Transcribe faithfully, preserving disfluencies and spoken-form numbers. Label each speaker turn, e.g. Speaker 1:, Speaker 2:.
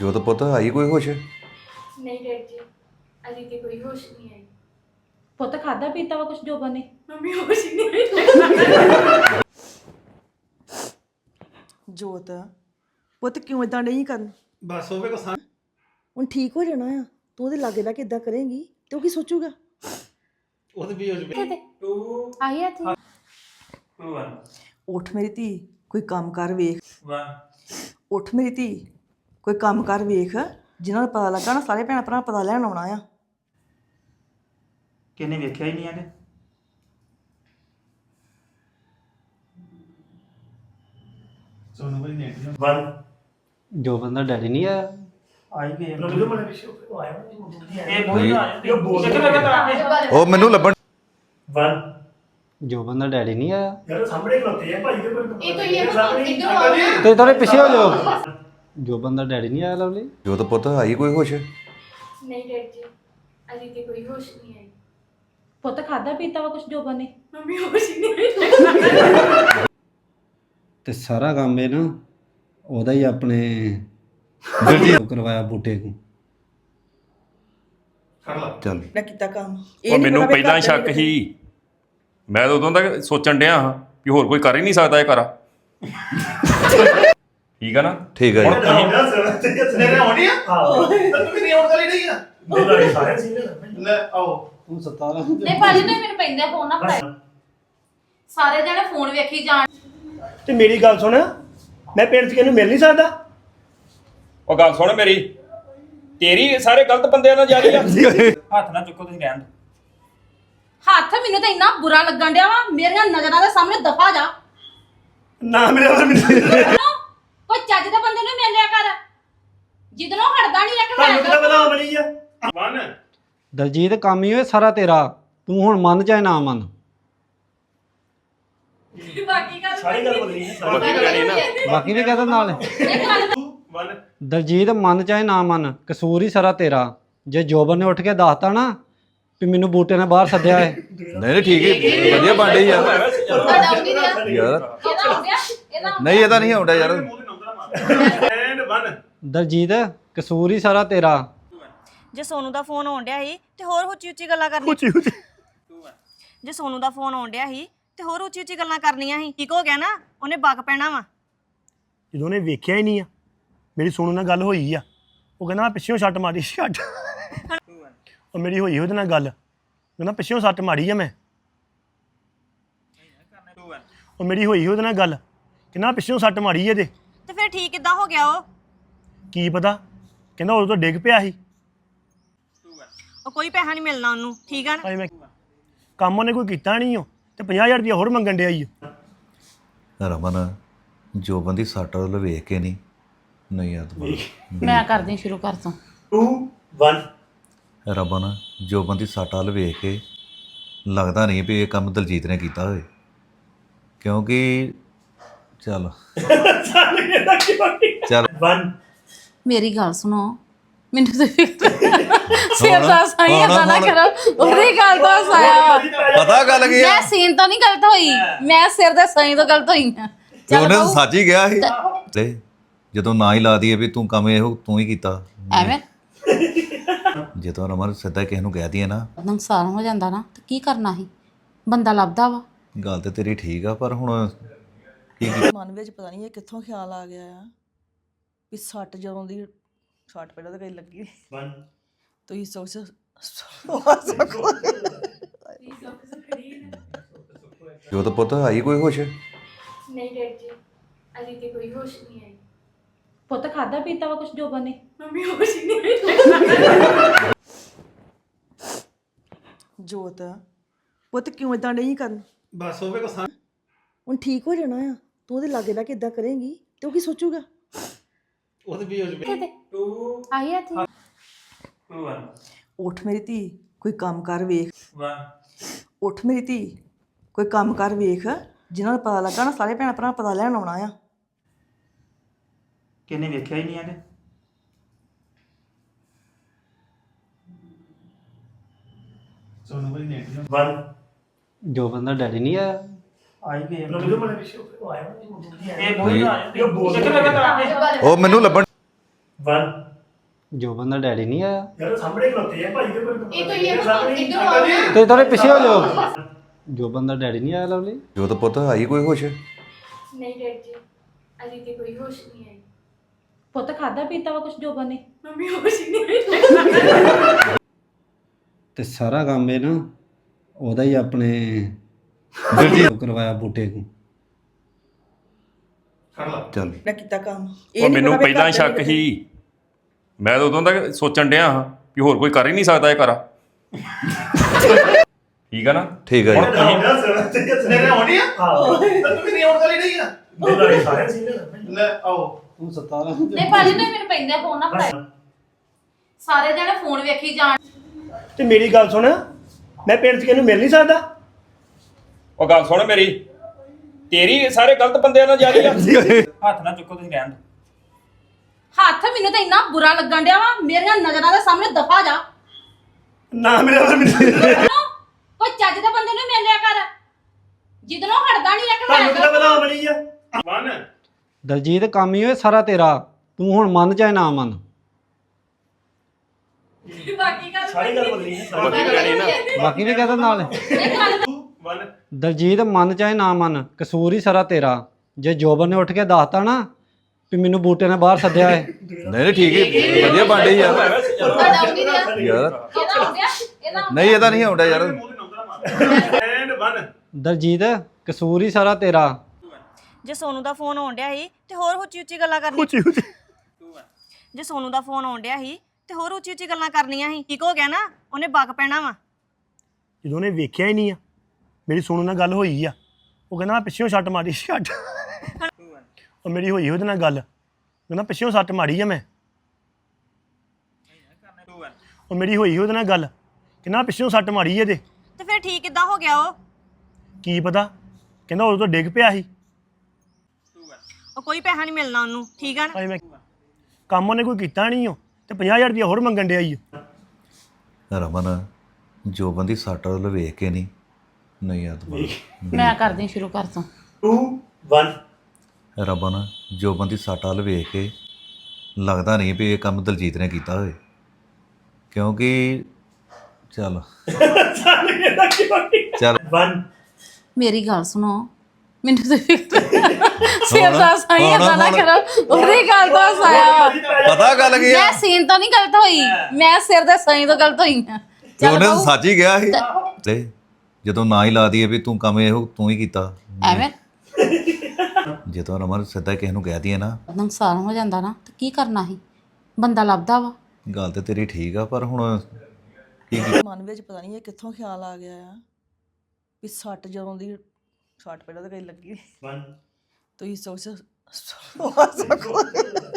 Speaker 1: ਜੋ ਤਾਂ ਪੁੱਤ ਆਈ ਕੋਈ ਹੋਸ਼?
Speaker 2: ਨਹੀਂ ਡੈਡ ਜੀ ਅਜੇ ਤੇ ਕੋਈ ਹੋਸ਼ ਨਹੀਂ ਆਈ।
Speaker 3: ਪੁੱਤ ਖਾਦਾ ਪੀਤਾ ਵਾ ਕੁਛ ਜੋਬਨ ਨੇ?
Speaker 2: ਮੰਮੀ ਹੋਸ਼ ਹੀ ਨਹੀਂ ਆਈ।
Speaker 4: ਜੋਤ ਪੁੱਤ ਕਿਉਂ ਇਦਾਂ ਨਹੀਂ ਕਰਨ?
Speaker 5: ਬਸ ਹੋਵੇ ਕੋ ਸਾਂ
Speaker 4: ਹੁਣ ਠੀਕ ਹੋ ਜਾਣਾ ਆ। ਤੂੰ ਉਹਦੇ ਲਾਗੇ ਬਹਿ ਕੇ ਇਦਾਂ ਕਰੇਂਗੀ ਤੇ ਉਹ ਕੀ ਸੋਚੂਗਾ?
Speaker 5: ਉਹਦੇ ਵੀ ਹੋ ਜਵੇ ਟੂ
Speaker 2: ਆਈ ਆ ਥੀ
Speaker 5: ਟੂ ਵਨ
Speaker 4: ਉੱਠ ਮੇਰੀ ਧੀ, ਕੋਈ ਕੰਮ ਕਰ ਵੇਖ।
Speaker 5: ਵਨ
Speaker 4: ਉੱਠ ਮੇਰੀ ਧੀ, ਕੋਈ ਕੰਮ ਕਰ ਵੇਖ। ਜਿਨ੍ਹਾਂ ਨੂੰ ਪਤਾ ਲੱਗਾ ਨਾ ਸਾਰੇ ਭੈਣ ਭਰਾ ਪਤਾ ਲੈਣ ਆਉਣਾ ਆ।
Speaker 5: ਕਿੰਨੇ ਵੇਖਿਆ ਹੀ ਨਹੀਂ ਆਗੇ ਸੋਨੂੰ ਬਈ ਨੇਟ ਵਨ
Speaker 6: ਜੋ ਬੰਦਾ ਡੈਡੀ ਨਹੀਂ ਆਇਆ।
Speaker 5: ਆਈ ਗਏ ਲੋਲੋ ਮਨੇ ਪਿੱਛੇ ਆਇਆ ਇਹ ਬੋਲ ਆਇਆ ਇਹ ਬੋਲ
Speaker 1: ਉਹ ਮੈਨੂੰ ਲੱਭਣ।
Speaker 5: ਵਨ
Speaker 6: ਜੋ ਬੰਦਾ ਡੈਡੀ ਨਹੀਂ ਆਇਆ।
Speaker 5: ਯਾਰ ਸਾਹਮਣੇ ਖਲੋਤੇ ਆ ਭਾਈ ਦੇ ਕੋਲ
Speaker 2: ਇਹ ਕੋਈ ਇਹ ਇੱਧਰ ਆਓ।
Speaker 6: ਤੇ ਥੋੜੇ ਪਿੱਛੇ ਹੋ ਜਾਓ। ਜੋ ਬੰਦਾ ਡੈਡੀ ਨਹੀਂ ਆਇਆ ਲਵਲੀ।
Speaker 1: ਜੋ ਤਾਂ ਪੁੱਤ ਆਈ ਕੋਈ ਹੋਸ਼?
Speaker 2: ਨਹੀਂ ਡੈਡ ਜੀ ਅਜੇ ਤੇ ਕੋਈ ਹੋਸ਼ ਨਹੀਂ ਆਈ।
Speaker 3: ਪੁੱਤ ਖਾਦਾ ਪੀਤਾ ਵਾ ਕੁਛ ਜੋਬਨ ਨੇ?
Speaker 2: ਮੰਮੀ ਹੋਸ਼ ਹੀ ਨਹੀਂ ਆਈ।
Speaker 6: ਤੇ ਸਾਰਾ ਕੰਮ ਇਹ ਨਾ ਉਹਦਾ ਹੀ ਆਪਣੇ ਦਰਜੀ ਕਰਵਾਇਆ ਬੂਟੇ ਨੂੰ।
Speaker 1: ਚੱਲ
Speaker 4: ਮੈਂ ਕੀਤਾ ਕੰਮ
Speaker 7: ਉਹ ਮੈਨੂੰ ਪਹਿਲਾਂ ਸ਼ੱਕ ਸੀ। ਮੈਂ ਤਾਂ ਉਦੋਂ ਤੱਕ ਸੋਚਣ ਡਿਆ ਹਾਂ ਕਿ ਹੋਰ ਕੋਈ ਕਰ ਹੀ ਨਹੀਂ ਸਕਦਾ ਇਹ ਕਰਾ। ਠੀਕ ਆ ਨਾ?
Speaker 1: ਠੀਕ ਹੈ ਜੀ।
Speaker 5: ਤੇਰੇ ਆਉਣੀ ਆ ਹਾਂ ਤੂੰ ਵੀ ਨਹੀਂ ਆਉਣ ਵਾਲੀ ਨਹੀਂ ਆ ਮੇਰੇ ਸਾਰੇ ਸੀਨੇ ਲੈ ਆਓ
Speaker 6: ਤੂੰ ਸਤਾਰਾ
Speaker 3: ਨਹੀਂ ਭਾਜੀ ਨੇ ਮੈਨੂੰ ਪੈਂਦਾ ਫੋਨ ਨਾ ਫੜਾਇਆ। ਸਾਰੇ ਜਣੇ ਫੋਨ ਵੇਖੀ ਜਾਣ।
Speaker 5: ਤੇ ਮੇਰੀ ਗੱਲ ਸੁਣ, ਮੈਂ ਪਿੰਡ 'ਚ ਕਿਹਨੂੰ ਮਿਲ ਨਹੀਂ ਸਕਦਾ?
Speaker 7: ਉਹ ਗੱਲ ਸੁਣ ਮੇਰੀ, ਤੇਰੀ ਸਾਰੇ ਗਲਤ ਬੰਦਿਆਂ ਨਾਲ ਜਾਰੀ ਆ। ਹੱਥ ਨਾ ਚੁੱਕੋ ਤੁਸੀਂ ਰਹਿਣ ਦਿਓ।
Speaker 3: ਹੱਥ ਮੈਨੂੰ ਤਾਂ ਇੰਨਾ ਬੁਰਾ ਲੱਗਣ ਡਿਆ ਵਾ। ਮੇਰੀਆਂ ਨਜ਼ਰਾਂ ਦੇ ਸਾਹਮਣੇ ਦਫਾ ਜਾ।
Speaker 5: ਨਾ ਮੇਰੇ ਵੱਲ ਮੈਨੂੰ
Speaker 3: ਕੋਈ ਚੱਜ ਦੇ ਬੰਦੇ ਨੂੰ ਮਿਲਿਆ ਕਰ ਜਿੱਦਨੋਂ ਹਟਦਾ ਨਹੀਂ ਇੱਕ
Speaker 5: ਤੁਹਾਨੂੰ ਕਿਹਦਾ
Speaker 3: ਮੈਂ
Speaker 5: ਪਤਾ ਬਣੀ ਆ ਵਨ
Speaker 6: ਦਲਜੀਤ ਕੰਮ ਹੀ ਹੋਏ ਸਾਰਾ ਤੇਰਾ। ਤੂੰ ਹੁਣ ਮੰਨ ਚਾਹੇ ਨਾ ਮੰਨ।
Speaker 3: ਬਾਕੀ ਗੱਲ
Speaker 5: ਸਾਰੀ ਗੱਲ ਬਦਲੀ ਹੈ ਸਾਰੀ
Speaker 7: ਬਾਕੀ ਕਹਿਣੀ ਨਾ
Speaker 6: ਬਾਕੀ ਵੀ ਕਹਦਾ ਨਾਲ
Speaker 5: ਵਨ
Speaker 6: ਦਲਜੀਤ ਮੰਨ ਚਾਹੇ ਨਾ ਮੰਨ, ਕਸੂਰ ਹੀ ਸਾਰਾ ਤੇਰਾ। ਜੇ ਜੋਬਨ ਨੇ ਉੱਠ ਕੇ ਦੱਸਤਾ ਨਾ ਵੀ ਮੈਨੂੰ ਬੂਟੇ ਨੇ ਬਾਹਰ ਸੱਦਿਆ ਏ।
Speaker 1: ਨਹੀਂ ਨਹੀਂ ਠੀਕ ਹੈ, ਵਧੀਆ ਬਣ ਰਹੀ ਯਾਰ।
Speaker 3: ਤੁਹਾਡਾ ਆਉਂਦੀ ਰਿਹਾ
Speaker 1: ਯਾਰ
Speaker 3: ਇਹਦਾ ਹੋ ਗਿਆ ਇਹਦਾ
Speaker 1: ਨਹੀਂ ਇਹਦਾ ਨਹੀਂ ਆਉਂਦਾ ਯਾਰ।
Speaker 5: ਐਂਡ ਵਨ
Speaker 6: ਦਲਜੀਤ ਕਸੂਰ ਹੀ ਸਾਰਾ ਤੇਰਾ।
Speaker 8: ਜੇ ਸੋਨੂ ਦਾ ਫੋਨ ਆਉਣ ਡਿਆ ਸੀ ਤੇ ਹੋਰ ਉੱਚੀ ਉੱਚੀ ਗੱਲਾਂ ਕਰਨੀਆਂ।
Speaker 5: ਉੱਚੀ ਉੱਚੀ
Speaker 8: ਜੇ ਸੋਨੂ ਦਾ ਫੋਨ ਆਉਣ ਡਿਆ ਸੀ ਤੇ ਹੋਰ ਉੱਚੀ ਉੱਚੀ ਗੱਲਾਂ ਕਰਨੀਆਂ ਸੀ। ਠੀਕ ਹੋ ਗਿਆ ਨਾ? ਉਹਨੇ ਬੱਗ ਪੈਣਾ ਵਾ।
Speaker 5: ਜਦੋਂ ਉਹਨੇ ਵੇਖਿਆ ਹੀ ਨਹੀਂ ਆ, ਮੇਰੀ ਸੋਨੂ ਨਾਲ ਗੱਲ ਹੋਈ ਆ, ਉਹ ਕਹਿੰਦਾ ਮੈਂ ਪਿੱਛੋਂ ਛੱਟ ਮਾਰੀ ਛੱਟ ਉਹ ਮੇਰੀ ਹੋਈ ਉਹਦੇ ਨਾਲ ਗੱਲ, ਕਹਿੰਦਾ ਪਿੱਛੋਂ ਸੱਟ ਮਾਰੀ ਆ ਮੈਂ। ਉਹ ਮੇਰੀ ਹੋਈ ਉਹਦੇ ਨਾਲ ਗੱਲ, ਕਹਿੰਦਾ ਪਿੱਛੋਂ ਸੱਟ ਮਾਰੀ ਇਹਦੇ।
Speaker 8: ਤੇ ਫਿਰ ਠੀਕ ਕਿੱਦਾਂ ਹੋ ਗਿਆ ਉਹ?
Speaker 5: ਕੀ ਪਤਾ, ਕਹਿੰਦਾ ਉਦੋਂ ਤੋਂ ਡਿੱਗ ਪਿਆ ਸੀ।
Speaker 8: ਉਹ ਕੋਈ ਪੈਸਾ ਨਹੀਂ ਮਿਲਣਾ ਉਹਨੂੰ। ਠੀਕ ਆ ਨਾ?
Speaker 5: ਭਾਈ ਮੈਂ ਕੰਮ ਉਹਨੇ ਕੋਈ ਕੀਤਾ ਨਹੀਂ ਉਹ ਤੇ ਪੰਜਾਹ ਹਜ਼ਾਰ ਰੁਪਇਆ ਹੋਰ ਮੰਗਣ ਡਿਆ ਈ ਓ।
Speaker 1: ਰਮਨ ਜੋ ਬੰਦੀ ਸੱਟ ਵੱਲ ਵੇਖ ਕੇ ਨਹੀਂ ਨਹੀਂ ਯਾਰ ਤੂੰ
Speaker 3: ਮੈਂ ਕਰਦੀ ਸ਼ੁਰੂ ਕਰ ਤੂੰ।
Speaker 5: ਟੂ ਵਨ
Speaker 1: ਰਮਨ ਜੋ ਬੰਦੀ ਸੱਟ ਵੱਲ ਵੇਖ ਕੇ ਲੱਗਦਾ ਨਹੀਂ ਵੀ ਇਹ ਕੰਮ ਦਲਜੀਤ ਨੇ ਕੀਤਾ ਹੋਵੇ, ਕਿਉਂਕਿ ਚੱਲ ਚੱਲ
Speaker 5: ਵਨ
Speaker 3: ਮੇਰੀ ਗੱਲ ਸੁਣੋ, ਮੈਨੂੰ ਤੇ ਸਿਰ ਦਾ ਸਾਈ ਏਦਾਂ ਨਾ ਕਰੋ। ਉਹਦੀ ਗੱਲ ਤੋਂ ਸਾਇਆ
Speaker 1: ਪਤਾ ਗੱਲ ਕੀ ਆ,
Speaker 3: ਮੈਂ ਸੀਨ ਤਾਂ ਨਹੀਂ ਗਲਤ ਹੋਈ, ਮੈਂ ਸਿਰ ਦੇ ਸਾਈ ਤੋਂ ਗਲਤ ਹੋਈ ਆ।
Speaker 1: ਤੇ ਉਹਨੇ ਤਾਂ ਸੱਚ ਹੀ ਗਿਆ ਸੀ। ਤੇ ਜਦੋਂ ਨਾ ਹੀ ਲਾ ਦਈਏ ਵੀ ਤੂੰ ਕੰਮ ਇਹੋ ਤੂੰ ਹੀ ਕੀਤਾ,
Speaker 3: ਐਵੇਂ
Speaker 1: ਜਦੋਂ ਰਮਨ ਸਿੱਧਾ ਕਿਸੇ ਨੂੰ ਕਹਿ ਦਈਏ ਨਾ
Speaker 3: ਨੁਕਸਾਨ ਹੋ ਜਾਂਦਾ ਨਾ ਤੇ ਕੀ ਕਰਨਾ ਸੀ? ਬੰਦਾ ਲੱਭਦਾ ਵਾ।
Speaker 1: ਗੱਲ ਤੇ ਤੇਰੀ ਠੀਕ ਆ, ਪਰ ਹੁਣ ਕੀ ਕੀ
Speaker 4: ਮਨ ਵਿੱਚ ਪਤਾ ਨਹੀਂ ਇਹ ਕਿੱਥੋਂ ਖਿਆਲ ਆ ਗਿਆ ਆ ਵੀ ਸੱਟ ਜਦੋਂ ਦੀ ਸੱਟ ਪਹਿਲਾਂ ਤਾਂ ਕਈ ਲੱਗੀ
Speaker 5: ਵਨ
Speaker 4: ਤੁਸੀਂ ਸੋਚ
Speaker 1: ਜੋ ਤਾਂ ਪੁੱਤ ਆਈ ਕੋਈ ਹੋਸ਼?
Speaker 2: ਨਹੀਂ ਡੈਡ ਜੀ ਅਜੇ ਤੇ ਕੋਈ ਹੋਸ਼ ਨਹੀਂ ਆਈ।
Speaker 3: ਪੁੱਤ ਖਾਦਾ ਪੀਤਾ ਵਾ ਕੁਛ ਜੋਬਨ ਨੇ?
Speaker 2: ਮੰਮੀ ਹੋਸ਼ ਹੀ ਨਹੀਂ ਆਈ।
Speaker 4: ਜੋਤ ਪੁੱਤ ਕਿਉਂ ਇਦਾਂ ਨਹੀਂ ਕਰਨ?
Speaker 5: ਬਸ ਹੋਵੇ ਕੋ ਸਾਂ
Speaker 4: ਹੁਣ ਠੀਕ ਹੋ ਜਾਣਾ ਆ। ਤੂੰ ਉਹਦੇ ਲਾਗੇ ਬਹਿ ਕੇ ਇਦਾਂ ਕਰੇਂਗੀ ਤੇ ਉਹ ਕੀ ਸੋਚੂਗਾ?
Speaker 5: ਉਹਦੇ ਵੀ ਹੋ ਜਵੇ ਟੂ
Speaker 2: ਆਈ ਆ ਥੀ
Speaker 5: ਟੂ ਵਨ
Speaker 4: ਉੱਠ ਮੇਰੀ ਧੀ, ਕੋਈ ਕੰਮ ਕਰ ਵੇਖ।
Speaker 5: ਵਨ
Speaker 4: ਉੱਠ ਮੇਰੀ ਧੀ, ਕੋਈ ਕੰਮ ਕਰ ਵੇਖ। ਜਿਨ੍ਹਾਂ ਨੂੰ ਪਤਾ ਲੱਗਾ ਨਾ ਸਾਰੇ ਭੈਣ ਭਰਾ ਪਤਾ ਲੈਣ ਆਉਣਾ ਆ।
Speaker 5: ਕਿੰਨੇ ਵੇਖਿਆ ਹੀ ਨਹੀਂ ਆਗੇ ਸੋਨੂੰ ਬਈ ਨੇਟ ਵਨ
Speaker 6: ਜੋ ਬੰਦਾ ਡੈਡੀ ਨਹੀਂ ਆਇਆ।
Speaker 5: ਆਈ ਗਏ ਲੋਲੋ ਮਨੇ ਪਿੱਛੇ ਆਇਆ ਇਹ ਬੋਲ ਆਇਆ ਇਹ ਬੋਲ
Speaker 1: ਉਹ ਮੈਨੂੰ ਲੱਭਣ।
Speaker 5: ਵਨ
Speaker 6: ਜੋਬਨ ਦਾ ਡੈਡੀ ਨਹੀਂ ਆਇਆ
Speaker 5: ਯਾਰ ਸਾਹਮਣੇ ਖਲੋਤੇ ਆ ਭਾਈ ਦੇ ਕੋਲ
Speaker 2: ਇਹ ਕੋਈ ਇਹ ਇੱਧਰ ਆਓ
Speaker 6: ਤੇ ਥੋੜੇ ਪਿੱਛੇ ਹੋ ਜਾਓ ਜੋਬਨ ਦਾ ਡੈਡੀ ਨਹੀਂ ਆਇਆ ਲਵਲੀ
Speaker 1: ਜੋਤ ਪੁੱਤ ਆਈ ਕੋਈ ਹੋਸ਼
Speaker 2: ਨਹੀਂ ਡੈਡ ਜੀ ਅਜੇ ਤੇ ਕੋਈ ਹੋਸ਼ ਨਹੀਂ ਆਈ
Speaker 3: ਪੁੱਤ ਖਾਦਾ ਪੀਤਾ ਵਾ ਕੁਛ ਜੋਬਨ ਨੇ
Speaker 2: ਮੰਮੀ ਹੋਸ਼ ਹੀ ਨਹੀਂ ਆਈ
Speaker 6: ਤੇ ਸਾਰਾ ਕੰਮ ਇਹ ਨਾ ਉਹਦਾ ਹੀ ਆਪਣੇ ਦਲਜੀਤ ਕਰਵਾਇਆ ਬੂਟੇ ਨੂੰ
Speaker 1: ਚੱਲ
Speaker 4: ਮੈਂ ਕੀਤਾ ਕੰਮ
Speaker 7: ਉਹ ਮੈਨੂੰ ਪਹਿਲਾਂ ਹੀ ਸ਼ੱਕ ਸੀ ਮੈਂ ਤਾਂ ਉਦੋਂ ਤੱਕ ਸੋਚਣ ਡਿਆ ਹਾਂ ਵੀ ਹੋਰ ਕੋਈ ਕਰ ਹੀ ਨਹੀਂ ਸਕਦਾ ਇਹ ਕਰਾ ਠੀਕ ਆ ਨਾ
Speaker 1: ਠੀਕ ਹੈ
Speaker 7: ਹੁਣ
Speaker 1: ਜੀ
Speaker 7: ਤੁਸੀਂ
Speaker 5: ਸਨੇਰੇ ਆਉਣੀ ਆ ਹਾਂ ਤੂੰ ਵੀ ਨਹੀਂ ਆਉਣ ਵਾਲੀ ਨਹੀਂ ਆ ਮੇਰੇ ਸਾਰੇ ਸੀਨੇ ਲੈ ਆਓ
Speaker 6: ਹੁਣ ਸਤਾਰਾਂ
Speaker 3: ਨਹੀਂ ਭਾਜੀ ਨੇ ਮੈਨੂੰ ਪੈਂਦਾ ਫੋਨ ਨਾ ਫੜਾਇਆ ਸਾਰੇ ਜਣੇ ਫੋਨ ਵੇਖੀ ਜਾਣ
Speaker 5: ਤੇ ਮੇਰੀ ਗੱਲ ਸੁਣ ਮੈਂ ਪਿੰਡ 'ਚ ਕਿਹਨੂੰ ਮਿਲ ਨਹੀਂ ਸਕਦਾ
Speaker 7: ਉਹ ਗੱਲ ਸੁਣ ਮੇਰੀ ਤੇਰੀ ਸਾਰੇ ਗਲਤ ਬੰਦਿਆਂ ਨਾਲ ਜਾਰੀ ਆ ਹੱਥ ਨਾ ਚੁੱਕੋ ਤੁਸੀਂ ਰਹਿਣ ਦਿਓ।
Speaker 3: ਹੱਥ ਮੈਨੂੰ ਤਾਂ ਇੰਨਾ ਬੁਰਾ ਲੱਗਣ ਡਿਆ ਵਾ ਮੇਰੀਆਂ ਨਜ਼ਰਾਂ ਦੇ ਸਾਹਮਣੇ ਦਫਾ ਜਾ
Speaker 5: ਨਾ ਮੇਰੇ ਵੱਲ ਮੈਨੂੰ
Speaker 3: ਕੋਈ ਚੱਜ ਦੇ ਬੰਦੇ ਨੂੰ ਮਿਲਿਆ ਕਰ ਜਿੱਦਨੋਂ ਹਟਦਾ ਨਹੀਂ ਇੱਕ
Speaker 5: ਤੁਹਾਨੂੰ ਕਿਹਦਾ
Speaker 3: ਮੈਂ
Speaker 5: ਪਤਾ ਬਣੀ ਆ ਵਨ
Speaker 6: ਦਲਜੀਤ ਕੰਮ ਹੀ ਹੋਏ ਸਾਰਾ ਤੇਰਾ ਤੂੰ ਹੁਣ ਮੰਨ ਚਾਹੇ ਨਾ ਮੰਨ
Speaker 2: ਬਾਕੀ ਗੱਲ
Speaker 5: ਸਾਰੀ ਗੱਲ ਬਦਲੀ ਹੈ
Speaker 7: ਬਾਕੀ ਕਹਿਣੀ ਨਾ
Speaker 6: ਬਾਕੀ ਵੀ ਕਹਦਾ ਨਾਲ
Speaker 5: ਵਨ
Speaker 6: ਦਲਜੀਤ ਮੰਨ ਚਾਹੇ ਨਾ ਮੰਨ ਕਸੂਰ ਹੀ ਸਾਰਾ ਤੇਰਾ ਜੇ ਜੋਬਨ ਨੇ ਉੱਠ ਕੇ ਦੱਸਤਾ ਨਾ ਵੀ ਮੈਨੂੰ ਬੂਟੇ ਨੇ ਬਾਹਰ ਸੱਦਿਆ ਏ
Speaker 1: ਨਹੀਂ ਨਹੀਂ ਠੀਕ ਹੈ ਵਧੀਆ ਬਾਂਡੇ ਯਾਰ
Speaker 3: ਤੁਹਾਡਾ ਆਉਂਦੀ ਰਿਹਾ
Speaker 1: ਯਾਰ
Speaker 3: ਇਹਦਾ ਹੋ ਗਿਆ ਇਹਦਾ
Speaker 1: ਨਹੀਂ ਇਹਦਾ ਨਹੀਂ ਆਉਂਦਾ ਯਾਰ
Speaker 5: ਐਂਡ ਵਨ
Speaker 6: ਦਲਜੀਤ ਕਸੂਰ ਹੀ ਸਾਰਾ ਤੇਰਾ
Speaker 8: ਜੇ ਸੋਨੂ ਦਾ ਫੋਨ ਆਉਣ ਡਿਆ ਸੀ ਤੇ ਹੋਰ ਉੱਚੀ ਉੱਚੀ ਗੱਲਾਂ ਕਰਨੀਆਂ
Speaker 5: ਉੱਚੀ ਉੱਚੀ
Speaker 8: ਜੇ ਸੋਨੂ ਦਾ ਫੋਨ ਆਉਣ ਡਿਆ ਸੀ ਤੇ ਹੋਰ ਉੱਚੀ ਉੱਚੀ ਗੱਲਾਂ ਕਰਨੀਆਂ ਸੀ ਠੀਕ ਹੋ ਗਿਆ ਨਾ ਉਹਨੇ ਬੱਗ ਪੈਣਾ ਵਾ
Speaker 5: ਜਦੋਂ ਉਹਨੇ ਵੇਖਿਆ ਹੀ ਨਹੀਂ ਆ ਮੇਰੀ ਸੋਨੂ ਨਾਲ ਗੱਲ ਹੋਈ ਆ ਉਹ ਕਹਿੰਦਾ ਮੈਂ ਪਿੱਛੋਂ ਛੱਟ ਮਾਰੀ ਛੱਟ ਉਹ ਮੇਰੀ ਹੋਈ ਉਹਦੇ ਨਾਲ ਗੱਲ ਕਹਿੰਦਾ ਪਿੱਛੋਂ ਸੱਟ ਮਾਰੀ ਆ ਮੈਂ ਉਹ ਮੇਰੀ ਹੋਈ ਉਹਦੇ ਨਾਲ ਗੱਲ ਕਹਿੰਦਾ ਪਿੱਛੋਂ ਸੱਟ ਮਾਰੀ ਇਹਦੇ
Speaker 8: ਤੇ ਫਿਰ ਠੀਕ ਕਿੱਦਾਂ ਹੋ ਗਿਆ ਉਹ
Speaker 5: ਕੀ ਪਤਾ ਕਹਿੰਦਾ ਉਦੋਂ ਤੋਂ ਡਿੱਗ ਪਿਆ ਸੀ
Speaker 8: ਉਹ ਕੋਈ ਪੈਸਾ ਨਹੀਂ ਮਿਲਣਾ ਉਹਨੂੰ ਠੀਕ ਆ ਨਾ
Speaker 5: ਭਾਈ ਮੈਂ ਕੰਮ ਉਹਨੇ ਕੋਈ ਕੀਤਾ ਨਹੀਂ ਉਹ ਤੇ ਪੰਜਾਹ ਹਜ਼ਾਰ ਰੁਪਇਆ ਹੋਰ ਮੰਗਣ ਡਿਆ ਈ ਓ।
Speaker 1: ਰਮਨ ਜੋ ਬੰਦੀ ਸੱਟ ਵੱਲ ਵੇਖ ਕੇ ਨਹੀਂ ਨਹੀਂ ਯਾਰ ਦੁਬਾਰਾ
Speaker 3: ਮੈਂ ਕਰਦੀ ਸ਼ੁਰੂ ਕਰ ਤੂੰ
Speaker 5: ਟੂ ਵਨ
Speaker 1: ਰਮਨ ਜੋ ਬੰਦੀ ਸੱਟ ਵੱਲ ਵੇਖ ਕੇ ਲੱਗਦਾ ਨਹੀਂ ਵੀ ਇਹ ਕੰਮ ਦਲਜੀਤ ਨੇ ਕੀਤਾ ਹੋਵੇ ਕਿਉਂਕਿ ਚੱਲ ਚੱਲ
Speaker 5: ਵਨ
Speaker 3: ਮੇਰੀ ਗੱਲ ਸੁਣੋ ਮੈਨੂੰ ਤੇ ਸਿਰ ਦਾ ਸਹੀ
Speaker 1: ਹੁਣ-
Speaker 3: ਏਦਾਂ ਨਾ
Speaker 1: ਹੁਣ-
Speaker 3: ਕਰੋ ਉਹਦੀ ਗੱਲ ਤੋਂ ਹਸਾਇਆ ਵਾ
Speaker 1: ਪਤਾ ਗੱਲ ਕੀ ਆ
Speaker 3: ਮੈਂ ਸੀਨ ਤਾਂ ਨਹੀਂ ਗਲਤ ਹੋਈ ਮੈਂ ਸਿਰ ਦੇ ਸਹੀ ਤੋਂ ਗਲਤ ਹੋਈ ਹਾਂ
Speaker 1: ਤੇ ਉਹਨੇ ਤਾਂ ਸੱਚ ਹੀ ਗਿਆ ਸੀ ਤੇ ਜਦੋਂ ਨਾ ਹੀ ਲਾ ਦਈਏ ਵੀ ਤੂੰ ਕੰਮ ਇਹੋ ਤੂੰ ਹੀ ਕੀਤਾ
Speaker 3: ਐਵੇਂ
Speaker 1: ਜਦੋਂ ਰਮਨ ਸਿੱਧਾ ਕਿਸੇ ਨੂੰ ਕਹਿ ਦਈਏ ਨਾ
Speaker 3: ਨੁਕਸਾਨ ਹੋ ਜਾਂਦਾ ਨਾ ਤੇ ਕੀ ਕਰਨਾ ਸੀ ਬੰਦਾ ਲੱਭਦਾ ਵਾ
Speaker 1: ਗੱਲ ਤੇ ਤੇਰੀ ਠੀਕ ਆ ਪਰ ਹੁਣ ਕੀ ਕੀ
Speaker 4: ਮਨ ਵਿੱਚ ਪਤਾ ਨਹੀਂ ਇਹ ਕਿੱਥੋਂ ਖਿਆਲ ਆ ਗਿਆ ਆ ਵੀ ਸੱਟ ਜਦੋਂ ਦੀ ਸੱਟ ਪਹਿਲਾਂ ਤਾਂ ਕਈ ਲੱਗੀ
Speaker 5: ਵਨ
Speaker 4: ਤੁਸੀਂ ਸੋਚ ਸਕੋ